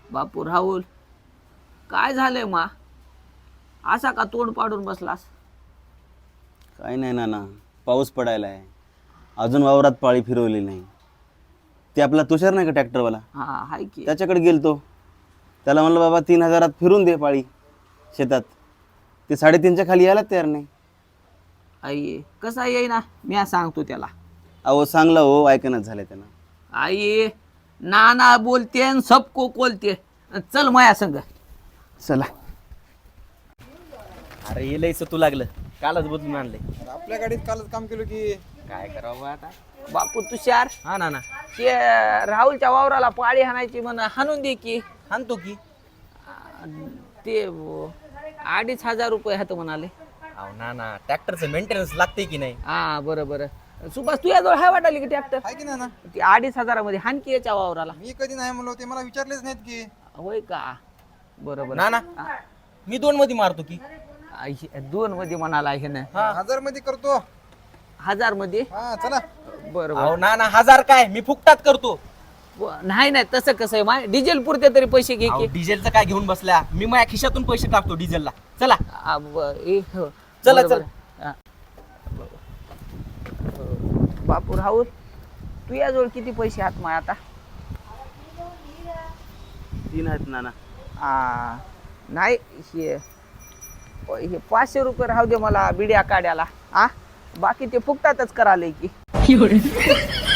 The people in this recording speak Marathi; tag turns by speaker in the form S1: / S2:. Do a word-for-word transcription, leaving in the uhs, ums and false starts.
S1: बापू राहुल, काय झालंय मा? असा का तोंड पाडून बसलास?
S2: काही नाही नाना, पाऊस पडायला आहे. अजून वावरात पाळी फिरवली नाही. ते आपला तुषार नाही का ट्रॅक्टरवाला,
S1: हा हाय की.
S2: त्याच्याकडे गेलतो. त्याला म्हणलं बाबा तीन हजारात फिरून दे पाळी शेतात. ते साडेतीनच्या खाली यायला तयार नाही.
S1: आई कसा येई ना, मी सांगतो त्याला.
S2: अहो चांगला हो, ऐकणच झालं त्यानं.
S1: आई नाना बोलते आणि सबको बोलते. चल माया संग.
S2: चला.
S3: अरे हे लयच तू लागलं, कालच बदलून आणलंय.
S4: आपल्या गाडीत कालच काम केलं की.
S3: काय करावं आता?
S1: बापू तुषार,
S3: हा ना ना,
S1: ते राहुलच्या वावराला पाळी हाणायची म्हण, हाणून दे की.
S3: आणतो की.
S1: ते अं, अडीच हजार रुपये हात म्हणाले.
S3: अहो ना ना, ट्रॅक्टरचं मेंटेनन्स लागते की नाही?
S1: हा बरं बरं. सुभाष तुझ्या जवळ हाय वाटाली की ट्रॅक्टर?
S4: आहे की ना ना
S1: ते अडीच हजारामध्ये हाणकी याच्या वावराला.
S4: मी कधी नाही म्हणलो, ते मला विचारलेच नाहीत की.
S1: होय का? बरोबर.
S3: ना ना, मी दोन मध्ये मारतो की.
S1: दोन मध्ये म्हणाला हे ना.
S4: हजार मध्ये करतो.
S1: हजार मध्ये.
S4: हा चला.
S1: बरोबर.
S3: अहो ना ना, हजार काय, मी फुकटात करतो.
S1: नाही नाही, तसं कसं आहे माय, डिझेल पुरते तरी पैसे घे
S3: अहो,
S1: की.
S3: डिझेलचं काय घेऊन बसल्या, मी माझ्या खिशातून पैसे टाकतो डिझेलला. चला
S1: आ, ब- ए, हो.
S3: चला,
S1: बरोबर.
S3: चला.
S1: हा. बापू राहुल, तू याजवळ किती पैसे आहात माय आता?
S2: तीन आहेत नाना.
S1: आ, नाही हे हे पाचशे रुपये राहू दे मला बिड्या काढ्याला. आ बाकी ते फुकटातच कराले की.